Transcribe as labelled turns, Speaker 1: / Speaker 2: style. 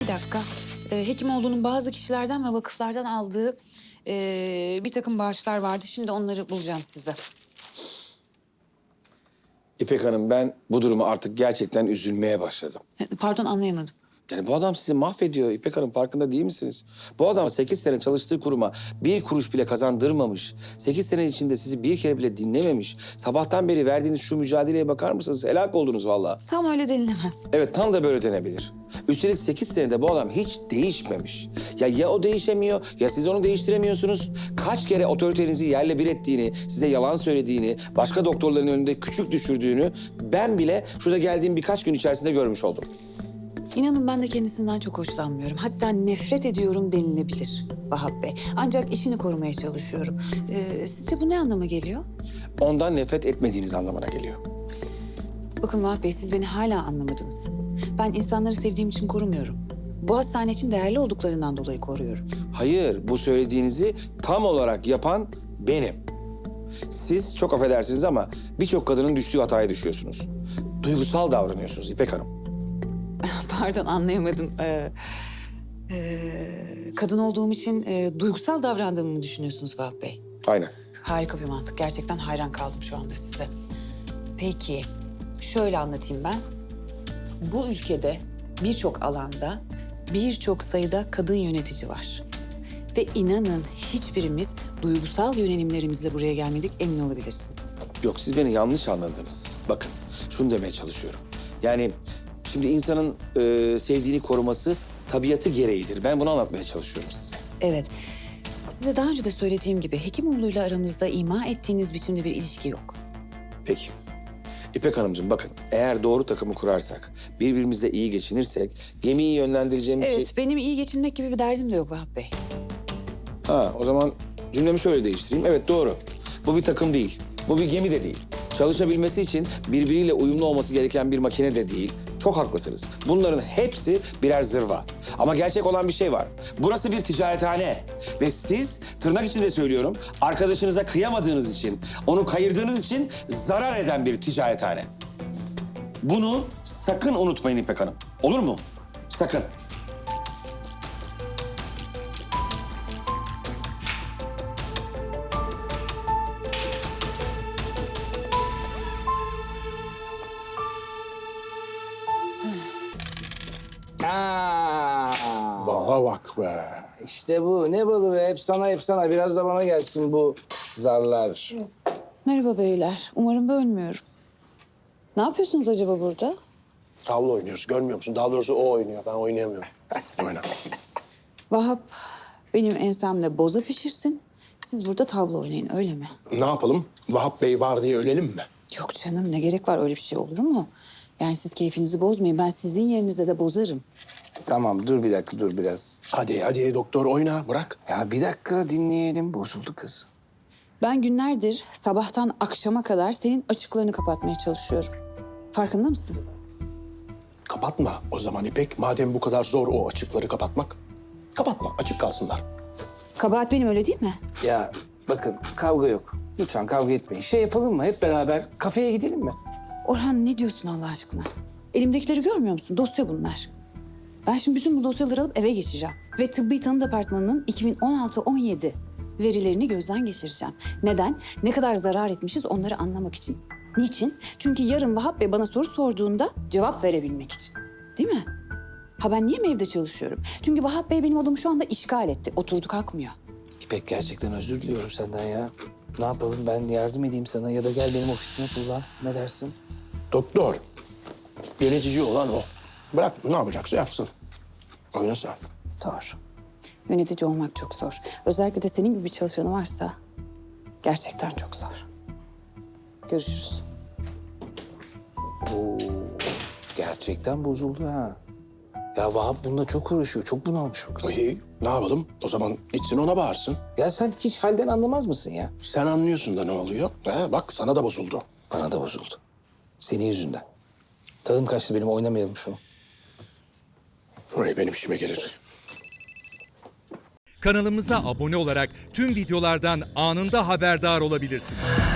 Speaker 1: dakika. Hekimoğlu'nun bazı kişilerden ve vakıflardan aldığı bir takım bağışlar vardı. Şimdi onları bulacağım size.
Speaker 2: İpek Hanım, ben bu duruma artık gerçekten üzülmeye başladım.
Speaker 1: Pardon, anlayamadım.
Speaker 2: Yani bu adam sizi mahvediyor İpek Hanım, farkında değil misiniz? Bu adam 8 sene çalıştığı kuruma 1 kuruş bile kazandırmamış. 8 sene içinde sizi bir kere bile dinlememiş. Sabahtan beri verdiğiniz şu mücadeleye bakar mısınız? Helak oldunuz vallahi.
Speaker 1: Tam öyle denilemez.
Speaker 2: Evet, tam da böyle denebilir. Üstelik 8 senede bu adam hiç değişmemiş. Ya o değişemiyor ya siz onu değiştiremiyorsunuz. Kaç kere otoritenizi yerle bir ettiğini, size yalan söylediğini, başka doktorların önünde küçük düşürdüğünü ben bile şurada geldiğim birkaç gün içerisinde görmüş oldum.
Speaker 1: İnanın ben de kendisinden çok hoşlanmıyorum. Hatta nefret ediyorum denilebilir Vahap Bey. Ancak işini korumaya çalışıyorum. Sizce bu ne anlama geliyor?
Speaker 2: Ondan nefret etmediğiniz anlamına geliyor.
Speaker 1: Bakın Vahap Bey, siz beni hala anlamadınız. Ben insanları sevdiğim için korumuyorum. Bu hastane için değerli olduklarından dolayı koruyorum.
Speaker 2: Hayır, bu söylediğinizi tam olarak yapan benim. Siz çok affedersiniz ama birçok kadının düştüğü hataya düşüyorsunuz. Duygusal davranıyorsunuz İpek Hanım.
Speaker 1: Pardon, anlayamadım. Kadın olduğum için duygusal davrandığımı mı düşünüyorsunuz Vahap Bey?
Speaker 2: Aynen.
Speaker 1: Harika bir mantık. Gerçekten hayran kaldım şu anda size. Peki, şöyle anlatayım ben. Bu ülkede birçok alanda birçok sayıda kadın yönetici var. Ve inanın hiçbirimiz duygusal yönelimlerimizle buraya gelmedik, emin olabilirsiniz.
Speaker 2: Yok, siz beni yanlış anladınız. Bakın, şunu demeye çalışıyorum. Yani şimdi insanın sevdiğini koruması tabiatı gereğidir. Ben bunu anlatmaya çalışıyorum size.
Speaker 1: Evet, size daha önce de söylediğim gibi Hekimoğlu'yla aramızda ima ettiğiniz biçimde bir ilişki yok.
Speaker 2: Peki. İpek Hanımcığım, bakın, eğer doğru takımı kurarsak, birbirimizle iyi geçinirsek, gemiyi yönlendireceğimiz şey...
Speaker 1: Evet, benim iyi geçinmek gibi bir derdim de yok Vahap Bey.
Speaker 2: Ha, o zaman cümlemi şöyle değiştireyim. Evet, doğru. Bu bir takım değil. Bu bir gemi de değil. Çalışabilmesi için birbiriyle uyumlu olması gereken bir makine de değil. Çok haklısınız. Bunların hepsi birer zırva. Ama gerçek olan bir şey var. Burası bir ticarethane. Ve siz, tırnak içinde söylüyorum, arkadaşınıza kıyamadığınız için, onu kayırdığınız için zarar eden bir ticarethane. Bunu sakın unutmayın İpek Hanım. Olur mu? Sakın.
Speaker 3: Bana bak be.
Speaker 4: İşte bu. Ne balı be? Hep sana, hep sana. Biraz da bana gelsin bu zarlar.
Speaker 1: Merhaba beyler, umarım bölmüyorum. Ne yapıyorsunuz acaba burada?
Speaker 3: Tavla oynuyoruz. Görmüyor musun? Daha doğrusu o oynuyor. Ben oynayamıyorum. Oyna.
Speaker 1: Vahap benim ensemde boza pişirsin. Siz burada tavla oynayın, öyle mi?
Speaker 3: Ne yapalım? Vahap Bey var diye ölelim mi?
Speaker 1: Yok canım, ne gerek var, öyle bir şey olur mu? Yani siz keyfinizi bozmayın, ben sizin yerinize de bozarım.
Speaker 4: Tamam, dur bir dakika, dur biraz.
Speaker 3: Hadi doktor oyna. Bırak.
Speaker 4: Ya bir dakika dinleyelim. Bozuldu kız.
Speaker 1: Ben günlerdir sabahtan akşama kadar senin açıklarını kapatmaya çalışıyorum. Farkında mısın?
Speaker 3: Kapatma o zaman İpek. Madem bu kadar zor o açıkları kapatmak. Kapatma. Açık kalsınlar.
Speaker 1: Kabahat benim, öyle değil mi?
Speaker 4: Ya bakın, kavga yok. Lütfen kavga etmeyin. Şey yapalım mı? Hep beraber kafeye gidelim mi?
Speaker 1: Orhan, ne diyorsun Allah aşkına? Elimdekileri görmüyor musun? Dosya bunlar. Ben şimdi bütün bu dosyaları alıp eve geçeceğim. Ve Tıbbi Tanı Departmanı'nın 2016-17 verilerini gözden geçireceğim. Neden? Ne kadar zarar etmişiz onları anlamak için. Niçin? Çünkü yarın Vahap Bey bana soru sorduğunda cevap verebilmek için. Değil mi? Ha, ben niye mi evde çalışıyorum? Çünkü Vahap Bey benim odamı şu anda işgal etti. Oturdu kalkmıyor.
Speaker 4: İpek, gerçekten özür diliyorum senden ya. Ne yapalım? Ben yardım edeyim sana ya da gel benim ofisime kullan. Ne dersin?
Speaker 3: Doktor. Yönetici olan o. Bırak ne yapacaksa yapsın. Oyna sen.
Speaker 1: Doğru. Yönetici olmak çok zor. Özellikle de senin gibi bir çalışanı varsa gerçekten çok zor. Görüşürüz.
Speaker 4: Oo, gerçekten bozuldu ha. Ya Vahap bununla çok uğraşıyor. Çok bunalmış o kız.
Speaker 3: İyi. Ne yapalım? O zaman gitsin ona bağırsın.
Speaker 4: Ya sen hiç halden anlamaz mısın ya?
Speaker 3: Sen anlıyorsun da ne oluyor? Bak sana da bozuldu.
Speaker 4: Bana da bozuldu. Senin yüzünden. Tadım kaçtı benim, oynamayalım şunu.
Speaker 3: Oraya benim işime gelir.
Speaker 5: Kanalımıza abone olarak tüm videolardan anında haberdar olabilirsiniz.